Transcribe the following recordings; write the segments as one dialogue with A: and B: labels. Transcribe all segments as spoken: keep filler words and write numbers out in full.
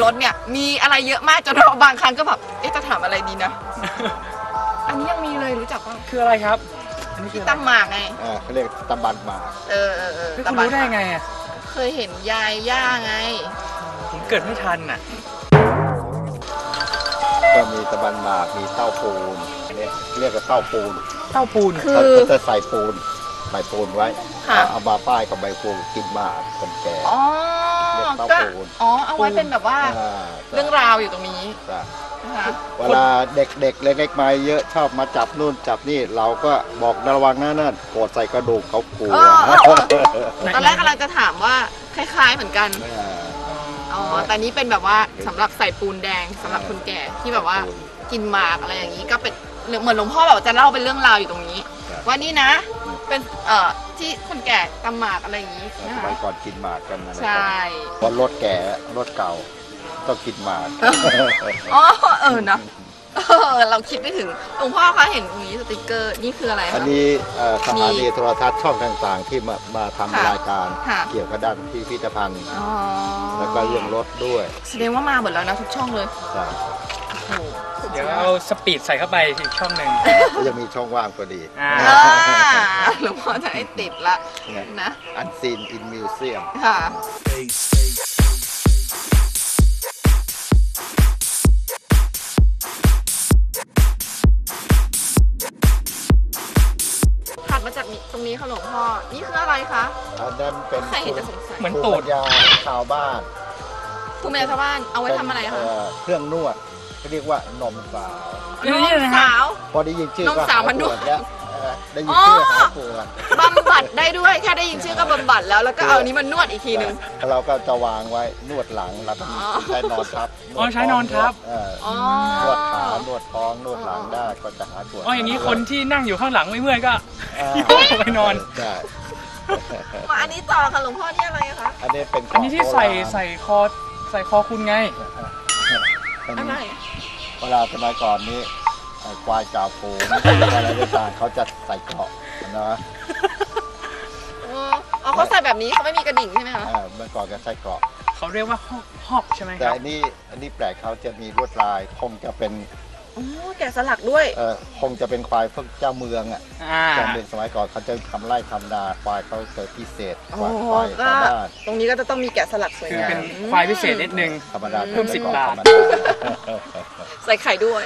A: ถเนี่ยมีอะไรเยอะมากจนเราบางครั้งก็แบบเอ๊ะจะถามอะไรดีนะ อันนี้ยังมีเลยรู้จักป่ะ
B: คืออะไรครับอันนี้คือ
A: ตำหมากไง
C: อ่าเขาเรียกตำบันหมาก
A: เออเออเออ
B: คุณรู้ได้ไงอ่ะ
A: เคยเห็นยายย่าไง
B: ผมเกิดไม่ทันอ่ะ
C: ก็มีตะบันหมากมีเต้าปูนเรียกเรียกว่าเต้าปูน
B: เต้าปูน
C: คือเขาจะใส่ปูนใส่ปูนไว้เอามาป้ายกับใบปูกินหมากคนแก่
A: อ๋อก็อ๋อเอาไว้เป็นแบบว่าเรื่องราวอยู่ตรงนี้
C: เวลาเด็กๆเล็กๆมาเยอะชอบมาจับนู่นจับนี่เราก็บอกระวังนะนั่นโกรธใส่กระดูกเขากลัว
A: ตอนแรกกำลังจะถามว่าคล้ายๆเหมือนกันอ๋อแต่นี้เป็นแบบว่าสำหรับใส่ปูนแดงสำหรับคนแก่ที่แบบว่ากินหมากอะไรอย่างนี้ก็เป็นเหมือนหลวงพ่อแบบจะเล่าเป็นเรื่องราวอยู่ตรงนี้ว่านี่นะเป็นเอ่อที่คนแก่ตำหมากอะไรอย่างนี้
C: สมัยก่อนกินหมากกันนะ
A: ใช่
C: เพราะรถแก่รถเก่าต้องกินหมาก
A: อ๋อเออนะเราคิดไม่ถึงหลวงพ่อคะเห็นตรงนี้สติกเกอร์นี่คืออะไรคะ
C: อันนี้สถานีโทรทัศน์ช่องต่างๆที่มามาทำรายการเกี่ยวกับด้านพิพิธภัณฑ์แล้วก็เรื่องรถด้วย
A: แสดงว่ามาหมดแล้วนะทุกช่องเลย
C: ใช่
B: เดี๋ยวเอาสปีดใส่เข้าไปอีกช่องหนึ่ง
C: ยังมีช่องว่างพอดี
A: หลวงพ่อจะให้ติดละนะ
C: อันซีนอินมิวเซียม
A: ค่ะถัดมาจากตรงนี้ค่ะหลวงพ่อนี่คืออะไรคะ
C: อันนั้นเป็น
A: ใครเห็นจะสงสัย
B: เหมือนตูด
C: ยาชาวบ้าน
A: ภูมิปัญญาชาวบ้านเอาไว้ทำอะไรคะ
C: เครื่องนวดเขาเรียกว่านมสาวน
A: มสาว
C: พอได้ยินชื่อก็
A: นมสาวมันนวด
C: แล้วได้ยินชื่อหายปวด
A: บำบัดได้ด้วยแค่ได้ยินชื่อก็บำบัดแล้วแล้วก็เอานี้มันนวดอีกทีนึง
C: เราก็จะวางไว้นวดหลังแล้วใช้นอนทับ
B: อ๋อใช้นอนทับ
C: นวดขานวดท้องนวดหลังได้ก็จะหายปวด
B: อ๋ออย่างนี้คนที่นั่งอยู่ข้างหลังไม่เมื่อยก็ไปนอน
C: ใช่
A: มาอันนี้ต่อค่ะหลวงพ่อนี่อะไรคะ
C: อันนี้เป็น
B: อันนี้ที่ใส่ใส่คอใส่คอคุณไง
A: อะไร
C: เวลาสมัยก่อนนี้ควายจ่าฝูงอะไรต่างๆเขาจะใส่เกราะนะ
A: อ๋อเขาใส่แบบนี้เขาไม่มีกระดิ่งใช่ไหมคะ
C: เมื่อก่อนก็ใส่เกราะ
B: เขาเรียกว่าฮอกฮอกใช่ไหมครับ
C: แต่อันนี้อันนี้แปลกเขาจะมีลวดลายคงจะเป็น
A: อ๋อแกะสลักด้วย
C: เออคงจะเป็นควายพวกเจ้าเมืองอ่ะเจ้าเมืองสมัยก่อนเขาจะทำไร่ทำนาควายเขาเจอพิเศษควายควายชาวบ้าน
A: ตรงนี้ก็จะต้องมีแกะสลักสวยงาม
B: เป็นควายพิเศษนิดนึง
C: ธรรมดา
B: เพิ่มสิบบาท
A: ใส่ไข่ด้วย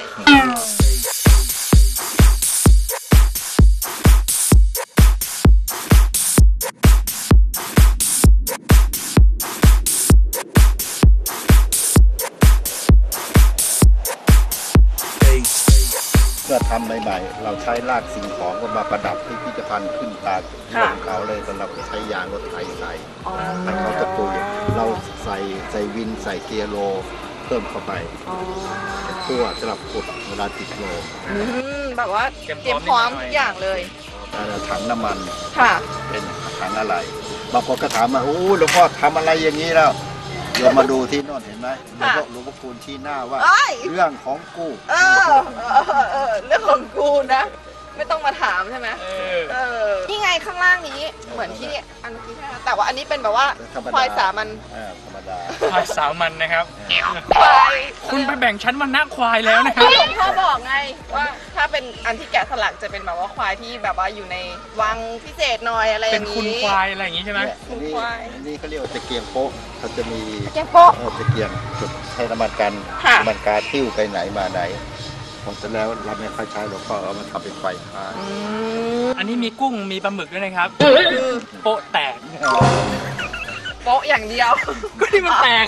C: เมื่อทำใหม่ๆเราใช้รากสิ่งของมาประดับพิพิธภัณฑ์ขึ้นตาของเขาเลยสำหรับใช้ยางรถไถใส่ให้เขาจะตัวอย่างเราใส่ใส่วินใส่เกียร์โลเพิ่มเข้าไปเพื่อสำหรับกดเวลาติดโล
A: แบบว่าเตรียมพร้อมทุกอย่างเลย
C: ถังน้ำมัน
A: ค่ะ
C: เป็นถังอะไรบางคนก็ถามมาโอ้หลวงพ่อทำอะไรอย่างนี้แล้วเดี๋ยวมาดูที่โน่นเห็นไหมหลวงพ่อคูณชี้หน้าว่าเรื่องของกู
A: เออเรื่องของกูนะไม่ต้องมาถามใช่ไหมเออนี่ไงข้างล่างนี้เหมือนที่อันนี้แต่ว่าอันนี้เป็นแบบว่าควายสามัญ
C: ธรรมดา
B: ควายสามัญนะครับควายคุณไปแบ่งชั้นวรรณะควายแล้วนะครับ
A: หลวงพ่อบอกไงว่าถ้าเป็นอันที่แกะสลักจะเป็นแบบว่าควายที่แบบว่าอยู่ในวังพิเศษหน่อยอะไรอย่างนี้
B: เป็นคุณควายอะไรอย่างนี้ใช่ไหม
A: คุณควาย
C: นี่เขาเรียกว่าตะเกียงโป๊ะเขาจะมี
A: ตะเกียงโป๊ะ
C: ตะเกียงจุดให้น้ำมันกันน้ำมันการติ้วไปไหนมาไหนผมจะแล้วเราไม่ค่อยใช้หลวงพ่อเอามันทำเป็นไฟฟ้า
B: อันนี้มีกุ้งมีปลาหมึกด้วยนะครับโป๊ะแตก
A: โป๊ะอย่างเดียว
B: ก็ที่มันแตก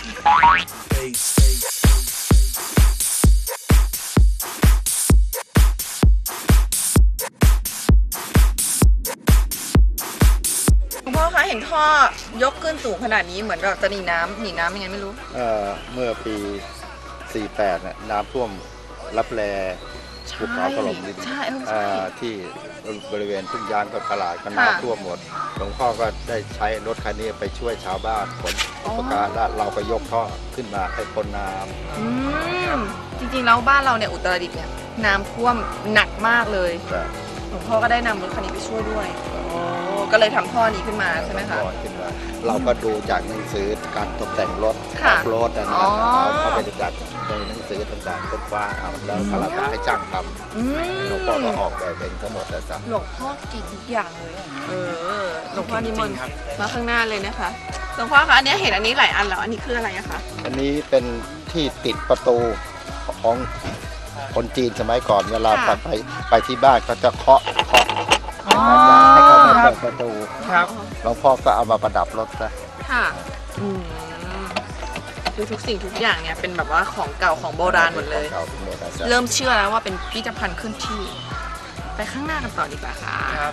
A: คุณพ่อคะเห็นท่อยกขึ้นสูงขนาดนี้เหมือนแบบจะหนีน้ำหนีน้ำยังไงไม่รู้
C: เอ่อเมื่อปีสี่สิบแปดน่ะน้ำท่วมรับแลภูเขาถล่มดินที่บริเวณทุ่งยางกับตลาดก็น้ำท่วมหมดหลวงพ่อก็ได้ใช้รถคันนี้ไปช่วยชาวบ้านขนอุปการะเราก็ยกท่อขึ้นมาให้พ้นน้
A: ำจริงๆแล้วบ้านเราเนี่ยอุตรดิตถ์เนี่ยน้ำท่วมหนักมากเลยหลวงพ่อก็ได้นำรถคันนี้ไปช่วยด้วยก็เลยทำท่อนี้ขึ้นมาใช่ไหมคะ
C: ขึ้นมาเราก็ดูจากหนังสือการตกแต่งรถ
A: ค่ะ
C: รถนะ
A: อ๋อ
C: เอาเข้าไปจากในหนังสือต่างๆค้นคว้าเอาแล้วเราก็ให้จ้างท
A: อืม
C: ำหลวงพ่อก็ออกแบบเองทั้งหมดแต่จ้ะ
A: หลวงพ่อเก่งทุกอย่างเลยอะเออหลวงพ่อนิมนต์
B: จริงๆครับ
A: มาข้างหน้าเลยนะคะหลวงพ่อคะอันนี้เห็นอันนี้หลายอันแล้วอันนี้คืออะไรอะคะ
C: อันนี้เป็นที่ติดประตูของคนจีนสมัยก่อนเวลาไปไปไปที่บ้านเขาจะเคาะเคาะ
A: อ๋อ
C: ให้เขามาเปิดประตู
B: ครับ
C: หลวงพ่อก็เอามาประดับรถนะ
A: ค่ะอืมคือทุกสิ่งทุกอย่างเนี่ยเป็นแบบว่าของเก่าของโบราณหมดเลย
C: เก่าเป็นโบราณจ้ะ
A: เริ่มเชื่อแล้วว่าเป็นพิพิธภัณฑ์เคลื่อนที่ ไปข้างหน้ากันต่อดีกว่าค่ะ
B: ครับ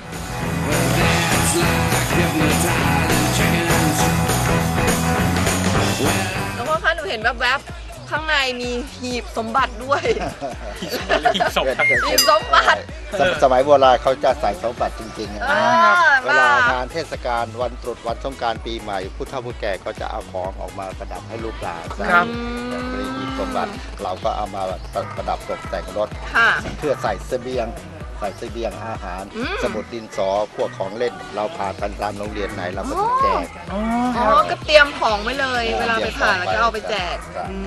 A: หลวงพ่อคะหนูเห็นแวบๆข้างในมีหีบสมบัติด้วย
B: หีบศพครับ
A: หีบสมบัติ
C: สมสมัยโบราณเขาจะใส่สมบัติจริงๆนะ
A: เออ
C: เวลางานเทศกาลวันตรุษวันสงกรานต์ปีใหม่ผู้เฒ่าผู้แก่ก็จะเอาของออกมาประดับให้ลูกหลาน
B: ครับ
C: บริหีบสมบัติเราก็เอามาประดับตกแต่งรถ
A: ค่ะ
C: เพื่อใส่เสบียงใส่เสบียงอาหาร
A: อืม
C: สมุดดินสอพวกของเล่น เราพากันตามโรงเรียนไหนเราก็แจก
B: อ๋อค
A: อ๋อ
B: รับ
A: ก็เตรียมของไว้เลย เวลาไปผ่านแล้วก็เอาไปแจก
C: ครับ
A: อื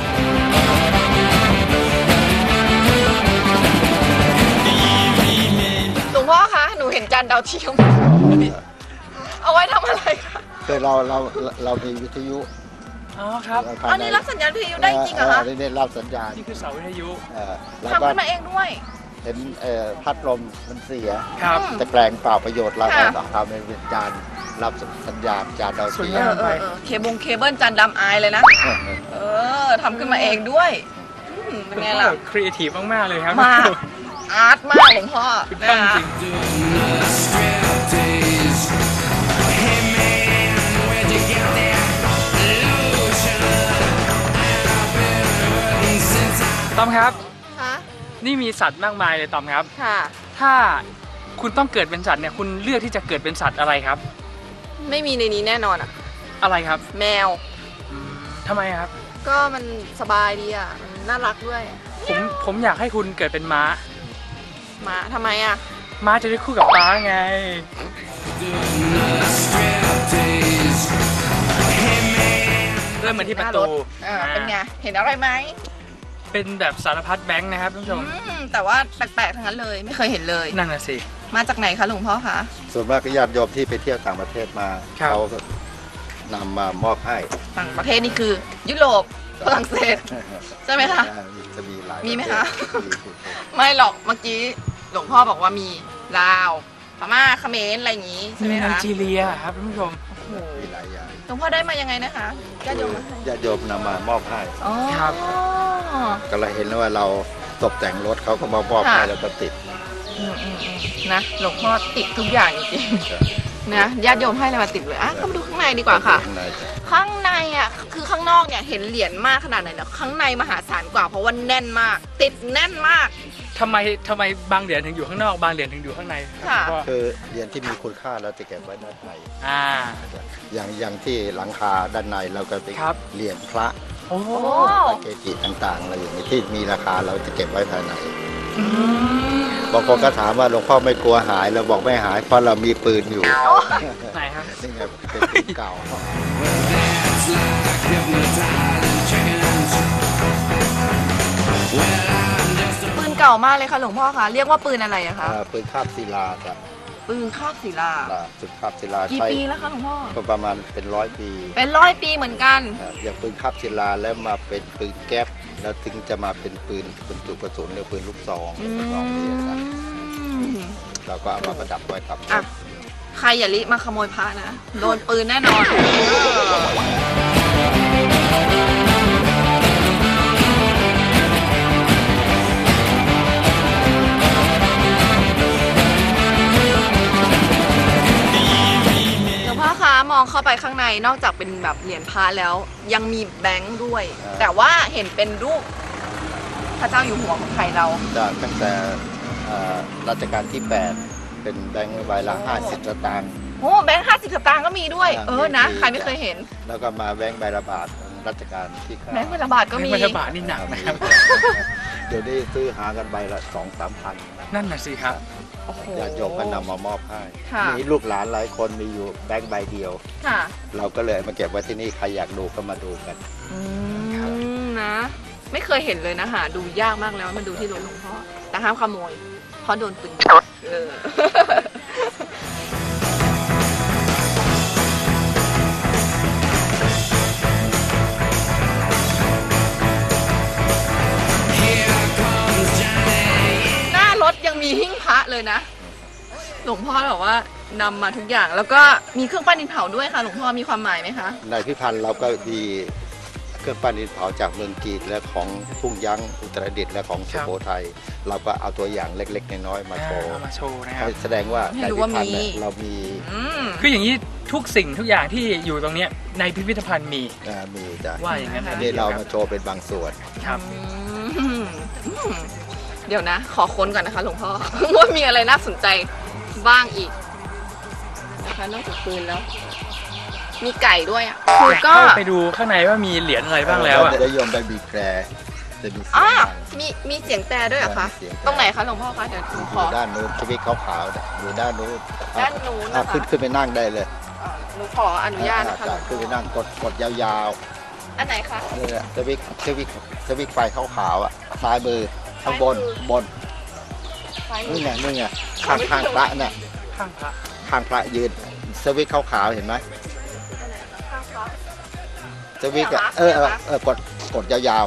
A: มหลวงพ่อคะ หนูเห็นจานดาวเทียม เอาไว้ทำอะไรคะ
C: คือเราเราเรามีวิทยุ
B: อ๋อครับ
C: ภาย
A: อันนี้รับสัญญาณวิทยุได้จริงเหรอคะ
C: นี่รับสัญญาณ
B: นี่คือเสาวิทยุ
C: เอ่อแล้ว
A: ทำ
C: ก็
A: ขึ้นมาเองด้วย
C: เห็นเอ่อพัดลมมันเสีย
B: ครับ
A: อืม
C: จะแปลงเปล่าประโยชน์เรา
A: ค่ะ
C: ก็ทำเป็นจานรับสัญญาณจานดาว
B: สวย
C: เทีย
B: งาม
C: ม
A: เออเออเคบงเคเบิลจานดำอายเลยนะ เออทำขึ้นมาเองด้วยอืมเป็นไงล่ะ
B: ครีเอทีฟมากๆเลยครับ
A: มาก อาร์ตมากหลวงพ่อ
B: ถูก
A: นะ
B: ต้อง
A: คะ
B: จริงตอมครับ
A: คะ
B: นี่มีสัตว์มากมายเลยตอมครับ
A: ค่ะ
B: ถ้าคุณต้องเกิดเป็นสัตว์เนี่ยคุณเลือกที่จะเกิดเป็นสัตว์อะไรครับ
A: ไม่มีในนี้แน่นอนอ่ะ
B: อะไรครับ
A: แมว
B: อืมทำไมครับ
A: ก็มันสบายดีอ่ะมันน่ารักด้วย
B: ผมผมอยากให้คุณเกิดเป็นม้า
A: หมาทำไมอ่ะ
B: ม้าจะได้คู่กับป้าไง เริ่มมาที่ประตู
A: อ่าเป็นไง เห็นอะไรไหม
B: เป็นแบบสารพัดแบงค์นะครับท่านผู้ช
A: อื
B: ม
A: มแต่ว่าแปลกๆทั้งนั้นเลย ไม่เคยเห็นเลย
B: นั่นน่ะสิ
A: มาจากไหนคะหลวงพ่อคะ
C: ส่วนมากก็ญาติโยมที่ไปเที่ยวต่างประเทศมา
B: ครับ
C: เขาก็นำมามอบให้
A: ต่างประเทศนี่คือ ยุโรปฝรั่งเศส ใช่ไหมคะ
C: จะมีหลาย
A: มีไหม
C: ปร
A: คะ
C: เทศมี
A: ไม่หรอกเมื่อกี้หลวงพ่อบอกว่ามีลาวพม่าเขมรอะไรอย่างนี้ใช่
B: มี
A: ไหม
B: ไน
A: คะ
B: จีเรียครับท่านผู้ชม
A: โอ้โห
C: มีหลายอย่าง
A: หลวงพ่อได้มายังไงนะคะญาติโยมมาให้
C: ญาติโยมนำมามอบให้
A: อ๋อ
B: ครับ
C: ก็เลยเห็นว่าเราตกแต่งรถเขาก็มามอบให้
A: ค่ะ
C: แล้วก็ติด
A: อืมอืมอืมนะหลวงพ่อติดทุกอย่างจริงๆนะญาติโยมให้อะไรมาติดเลยอ่ะก็มาดูข้างในดีกว่าค่ะ
C: ข้างในจ้ะ
A: ข้างในอ่ะคือข้างนอกเนี่ยเห็นเหรียญมากขนาดไหนเนาะข้างในมหาศาลกว่าเพราะว่าแน่นมาก ติดแน่นมาก
B: ทำไมทำไมบางเหรียญถึงอยู่ข้างนอก บางเหรียญถึงอยู่ข้างใน
A: ค่ะ
B: ก็
C: คือเหรียญที่มีคุณค่าเราจะเก็บไว้ด้านใน
B: อ่า
C: อย่างอย่างที่หลังคาด้านในเราก็ไป
B: ครับ
C: เหรียญพระ
B: โอ้
A: โอ้
C: พระเกจิต่างๆอะไรอย่างนี้ที่มีราคาเราจะเก็บไว้ภายใน
A: อืม
C: บางคนก็ถามว่าหลวงพ่อไม่กลัวหายเราบอกไม่หายเพราะเรามีปืนอยู่
B: ไหนครับ
C: นี่ไงเป็นปืนเก่า
A: ปืนเก่ามากเลยค่ะหลวงพ่อคะเรียกว่าปืนอะไรอะคะ
C: อ่าปืนคาบศิลาจ้ะ
A: ปืนคาบศิลา
C: อ่าปืนคาบศิลา
A: กี่
C: ใช้
A: ปีแล้วคะหลวงพ่อ
C: ก็ประมาณเป็นร้อยปี
A: เป็นร้อยปีเหมือนกัน
C: อ่าอย่างปืนคาบศิลาแล้วมาเป็นปืนแก๊ปแล้วถึงจะมาเป็นปืนบรรจุกระสุนหรือปืนลูกซอง
A: อื
C: ลูกซองนี่นะ
A: ม
C: เราก็เอามาประดับไว้กับ
A: อ่ะ ใครอย่าลิมาขโมยพระนะ โดนปืนแน่นอน หลวงพ่อคะมองเข้าไปข้างในนอกจากเป็นแบบเหรียญพระแล้ว ยังมีแบงค์ด้วย แต่ว่าเห็นเป็นรูปพระเจ้าอยู่หัวของไทยเรา
C: จากตั้งแต่อ่ารัชกาลที่แปดเป็นแบงค์ใบละห้าสิบสตางค์
A: โอ้แบงค์ห้าสิบสตางค์ก็มีด้วย
C: อ่า
A: เออนะ
C: มี
A: ใครไม่เคยเห็น
C: แล้วก็มาแบงค์ใบละบาทรัชกาลที่เก้า
A: แบงค์พันบาทก็มี
B: แบงค์พันธบัตรนี่หนักนะครับ
C: เดี๋ยวนี้ซื้อหากันใบละสองสามพัน
B: นั่นน่ะสิครับ
A: โอ้โห
C: ญาติโยมก็นำมามอบให้
A: ค่ะ
C: มีลูกหลานหลายคนมีอยู่แบงค์ใบเดียว
A: ค่ะ
C: เราก็เลยมาเก็บไว้ที่นี่ใครอยากดูก็มาดูกัน
A: อืมนะ ไม่เคยเห็นเลยนะหาดูยากมากแล้วมันดูที่รถหลวงพ่อแต่ห้ามขโมยเพราะโดนปืนเออ หน้ารถยังมีหิ้งพระเลยนะ หลวงพ่อบอกว่านำมาทุกอย่าง แล้วก็มีเครื่องปั้นดินเผาด้วยค่ะ หลวงพ่อมีความหมายไหมคะ
C: ในพิพันธ์เราก็มีเครื่องปั้นดินเผาจากเมืองจีนและของทุ่งยั้งอุตรดิตถ์และของสุโขทัยเราก็เอาตัวอย่างเล็กๆน้อยๆมาโชว์
B: เอามาโชว์นะครับ
C: ให้แสดงว่า
A: ให้
C: ใน
A: รู้
C: พิ
A: ว่า
C: พันธ์
A: มี
C: เนี่ยเรามี
A: อืม
B: คืออย่างนี้ทุกสิ่งทุกอย่างที่อยู่ตรงเนี้ยในพิพิธภัณฑ์มี
C: อ่ามีจ้ะ
B: ว่าอย่างนั้นนะ
C: นี่เรามาโชว์เป็นบางส่วน
B: ครับ
A: อืมอืมเดี๋ยวนะ ขอค้นก่อนนะคะ หลวงพ่อ ว่ามีอะไรน่าสนใจบ้างอีกนะคะนอกจากปืนแล้ว มีไก่ด้วยอ่ะคือก็
B: เข้าไปดูข้างในว่ามีเหรียญอะไรบ้างแล้วอ่ะ
C: จะได้โยมไปบีบแตรจะมีเสีย
A: อ่าง
C: ดัง
A: มีมีเสียงแต่ด้วยเหรอคะ
C: มีเสียงแต่
A: ตรงไหนคะหลวงพ่อคะเดี๋ยวหนู
C: อ
A: ขอยู่
C: ด้านนู้นชีวิตขาวๆเนี่ยอยู่ด้านนู้น
A: ด้านนู้น
C: อ่ะ
A: นะคะ
C: ขึ้นขึ้นไปนั่งได้เลย
A: อ่าหนูขออนุญาตนะคะหลวง
C: ขึ้นไป
A: พ่อ
C: นั่งกดกดยาว
A: อันไหนคะ
C: ๆนี่แหละสวิกสวิกสวิกไฟขาวๆอ่ะซ้ายมือข้างบน
A: ซ้ายมือ
C: บน
A: ซ้ายมื
C: นี่
A: อ
C: ไงนี่ไงข้างข้างพระเนี่ย
B: ข้างพระ
C: ข้างพระยืนสวิกขาวๆเห็นไหม
A: ข้างซ้าย
C: สวิกอ่ะ
A: เนี่ยเหรอคะ
C: เออเออเออกดกดยาว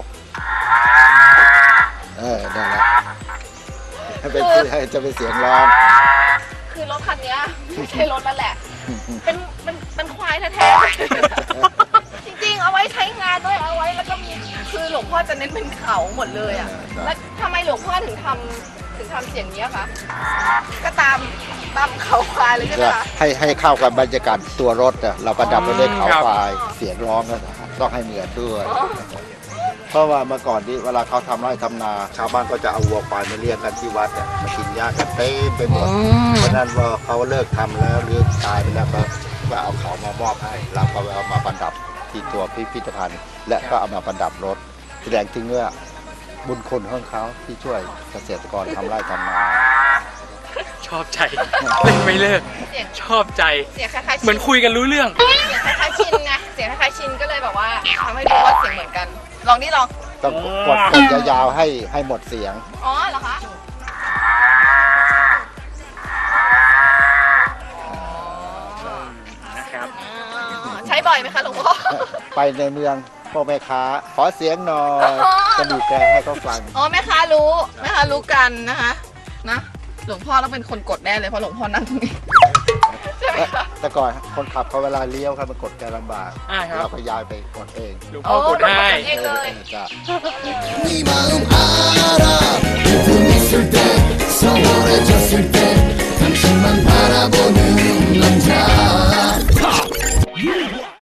C: ๆเออนั่นแหละให้เป็นให้จะเป็นเสียงร้อง
A: คือรถคันเนี้ยไม่ใช่รถแล้วแหละ เป็นเป็นเป็นควายแท้ๆ จริงๆ เอาไว้ใช้งานด้วยเอาไว้แล้วก็มีคือหลวงพ่อจะเน้นเป็นเขาหมดเลยอ่ะ แล้วทำไมหลวงพ่อถึงทำถึงทำเสียงนี้อะคะ ก็ตามตามเขาควายเลยใช่ไหมคะ
C: ให้ให้เข้ากับบรรยากาศตัวรถอ่ะเราประดับไปด้วยเขา
B: ครับ
C: ควายเสียงร้องก็ต้องให้เหมือนด้วย เพราะว่าเมื่อก่อนที่เวลาเขาทำไร่ทำนา ชาวบ้านก็จะเอาวัวควายมาเลี้ยงกันที่วัดเนี่ยมากินหญ้ากันเต็มไปหมด เพราะฉะนั้นว่าเขาเลิกทำแล้วหรือตายไปแล้วก็ก็เอาเขามามอบให้เราก็เอามาประดับที่ตัวพิพิธภัณฑ์ และก็เอามาประดับรถแสดงถึงว่าบุญคุณของเขาที่ช่วยเกษตรกรทำไร่ทำนา
B: ชอบใจเล่นไม่เลิก
A: เสียง
B: ชอบใจ
A: เสียงคล้ายๆชิน
B: เหมือนคุยกันรู้เรื่อง
A: เสียงคล้ายๆชินไง เสียงคล้ายๆชินก็เลยแบบว่าทำให้รู้ว่าเสียงเหมือนกัน ลองนี่ลอง
C: ต้องกดกดยาวๆให้ให้หมดเสียง
A: อ๋อเหรอคะ
B: นะครับ
A: อ๋อใช้บ่อยไหมคะหลวงพ่อ
C: ไปในเมืองพ่อแม่ค้าขอเสียงหน่อย
A: อ๋อ
C: จะบีบแตรให้เขาฟัง
A: อ๋อแม่ค้ารู้แม่ค้ารู้กันนะคะนะหลวงพ่อต้องเป็นคนกดแน่เลยเพราะหลวงพ่อนั่งตรงนี้ใช่ไหมคะ
C: แต่ก่อนคนขับเขาเวลาเลี้ยวครับมันกดแกลำบาก
B: อ่าครับ
C: เราก็ย้ายไปกดเอง
B: หลวงพ่อกดให้
A: เองเลย
C: จ้ะ
D: 今